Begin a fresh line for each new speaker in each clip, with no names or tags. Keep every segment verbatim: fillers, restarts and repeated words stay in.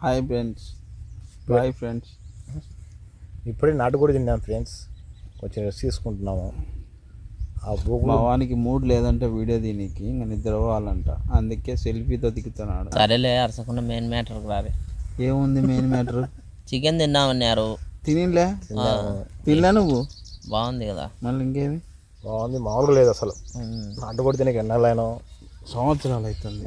Hi friends, bye friends.
ఇప్పుడే నాటుకోడి తిన్నాం ఫ్రెండ్స్, కొంచెం రెస్ట్ తీసుకుంటున్నాము. ఆ
మా వానికి మూడ్ లేదంటే వీడియో దీనికి ఇంకా నిద్ర పోవాలంట, అందుకే సెల్ఫీతో దిగుతున్నాడు.
సరేలే అరసకుండా మెయిన్ మ్యాటర్కి రాలే.
ఏముంది మెయిన్ మ్యాటర్?
చికెన్ తిన్నామన్నారు.
తినిలే తినలే నువ్వు?
బాగుంది కదా.
మళ్ళీ ఇంకేమి
బాగుంది, మామూలుగా లేదు అసలు. నాటుకోడి తినక ఎన్నాళ్ళైనా
సంవత్సరాలు అవుతుంది.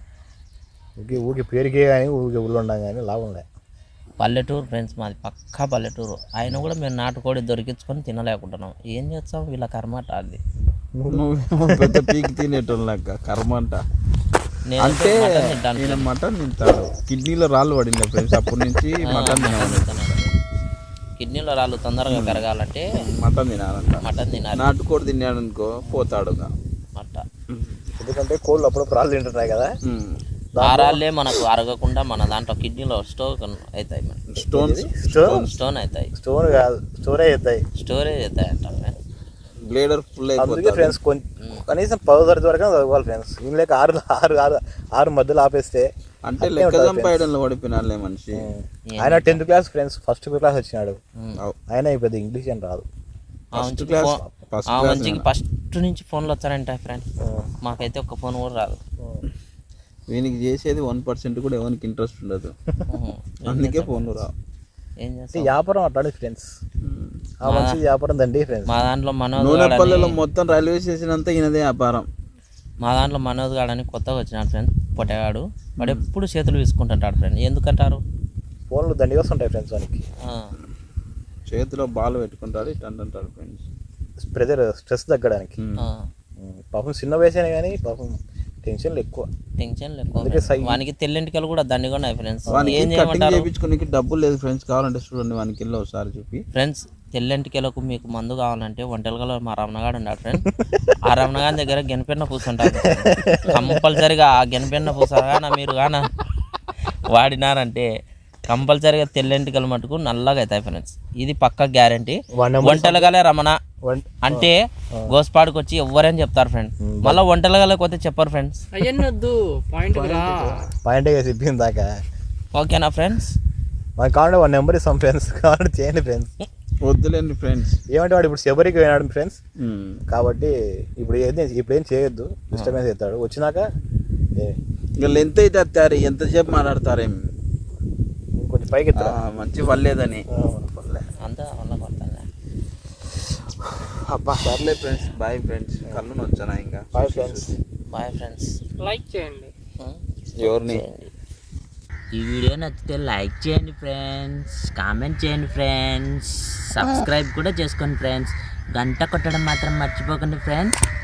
ఊకి ఊకి పేరుకే కానీ ఊరికి ఊళ్ళో ఉండం కానీ లాభం లే.
పల్లెటూరు ఫ్రెండ్స్, మాది పక్కా పల్లెటూరు. ఆయన కూడా మేము నాటుకోడి దొరికించుకొని తినలేకుంటున్నాం. ఏం చేస్తాం, వీళ్ళ కర్మాట అది.
నువ్వేమో పెద్ద పీకి తినేటోళ్ళక కర్మంట. అంటే నేను మటన్ తింటాడు, కిడ్నీలో రాళ్ళు పడింది ఫ్రెండ్స్, అప్పటి నుంచి మటన్ తినాలి.
కిడ్నీలో రాళ్ళు తొందరగా పెరగాలంటే
మటన్ తినాలంట.
మటన్ తినాలి.
నాటుకోడి తిన్నాడు అనుకో పోతాడుగా
అట్ట.
ఎందుకంటే కోళ్ళు అప్పుడప్పుడు రాళ్ళు తింటున్నాయి కదా,
ఆ రాళ్ళే మనకు అరగకుండా మన దాంట్లో కిడ్నీలో స్టోర్ అవుతాయి.
స్టోన్స్
స్టోన్
స్టోన్ అవుతాయి.
స్టోన్ కాదు, స్టోరేజ్ అవుతాయి.
స్టోరేజ్ అవుతాయి అంట.
బ్లేడర్ ఫుల్
అందుకే ఫ్రెండ్స్ కొంచెం కనీసం పదో తరగతి వరకు చదువుకోవాలి ఫ్రెండ్స్. ఏం లేక ఆరు ఆరు ఆరు ఆరు మధ్యలో ఆపేస్తే
అంటే లెక్క చంపేయడంలో పడిపోయినాలే మనిషి.
ఆయన tenth class friends, first class వచ్చినాడు. ఆయన పెద్ద ఇంగ్లీష్ అని రాదు.
ఫస్ట్ క్లాస్
ఆ మంచికి ఫస్ట్ నుంచి ఫోన్లు వచ్చారంట ఫ్రెండ్, మాకైతే ఒక్క ఫోన్ కూడా రాదు.
వీనికి చేసేది వన్ పర్సెంట్ కూడా ఎవరికి ఇంట్రెస్ట్ ఉండదు, అందుకే ఫోన్లు రావు.
ఏం చేస్తాం,
వ్యాపారం అట్లాంటి ఫ్రెండ్స్. ఆ మంచి వ్యాపారం దండి ఫ్రెండ్స్.
మా దాంట్లో మనోజ్
నూనెపల్లెలో మొత్తం రైల్వే స్టేషన్ అంతా ఈయనదే వ్యాపారం.
మా దాంట్లో మనోజ్ గాడని కొత్తగా వచ్చినాడు ఫ్రెండ్, పొట్టగాడు. వాడు ఎప్పుడు చేతులు తీసుకుంటుంటాడు ఫ్రెండ్. ఎందుకంటారు,
ఫోన్లు దండి వస్తుంటాయి ఫ్రెండ్స్. వానికి
చేతిలో బాల్ పెట్టుకుంటాడు, ఇట్ అంటుంటాడు ఫ్రెండ్స్.
ప్రెజర్ స్ట్రెస్ తగ్గడానికి. పాపం చిన్న వయసే కానీ పాపం టెన్షన్లు ఎక్కువ.
టెన్షన్లు ఎక్కువ. వానికి తెల్లింటికలు కూడా దండిగా ఉన్నాయి ఫ్రెండ్స్. ఏం
చేయమంటారు, చేయించుకోనికి డబ్బులు లేదు ఫ్రెండ్స్. కావాలంటే చూడండి వానికి వెళ్ళి ఒకసారి చూపి
ఫ్రెండ్స్. తెల్లింటికలకు మీకు మందు కావాలంటే ఒంటెలకలో మా రమణగాడు ఉన్నాడు ఫ్రెండ్. ఆ రమణగాడి దగ్గర గెనపెన్న పూసుంటారు. కంపల్సరిగా ఆ గెనపెన్న పూసగాన మీరు గాన వాడినారంటే కంపల్సరిగా తెల్లెంటికలు మటుకు నల్లగా అవుతాయి ఫ్రెండ్స్. ఇది పక్క గ్యారంటీ. ఒంటెలగలే రమణ అంటే గోస్పాడుకు వచ్చి ఎవరైనా చెప్తారు ఫ్రెండ్. మళ్ళీ ఒంటెలగలకి పోతే చెప్పరు ఫ్రెండ్స్.
పాయింట్ చెప్పింది దాకా
ఓకేనా ఫ్రెండ్స్?
మనకు కావాలంటే వన్ నెంబర్ ఇస్తాం ఫ్రెండ్స్, కావాలంటే చేయండి ఫ్రెండ్స్.
వద్దులేండి ఫ్రెండ్స్.
ఏమంటే వాడు ఇప్పుడు శబరికి పోయినాడు ఫ్రెండ్స్, కాబట్టి ఇప్పుడు ఏది ఇప్పుడు ఏం చేయొద్దు, డిస్టర్బెన్స్ అవుతాడు. వచ్చినాక
ఇంకా లెంత్ అయితే వస్తారు, ఎంతసేపు మాట్లాడతారేమి,
కొంచెం పైకి
మంచి పర్లేదని
అంతా వల్ల కొడతాను.
అబ్బా సర్లే ఫ్రెండ్స్, బాయ్ ఫ్రెండ్స్. కళ్ళు వచ్చానా ఇంకా.
Bye friends.
Bye friends.
Like చేయండి.
ఎవరిని
ఈ వీడియో నచ్చితే లైక్ చేయండి ఫ్రెండ్స్, కామెంట్ చేయండి ఫ్రెండ్స్, సబ్స్క్రైబ్ కూడా చేసుకోండి ఫ్రెండ్స్. గంట కొట్టడం మాత్రం మర్చిపోకండి ఫ్రెండ్స్.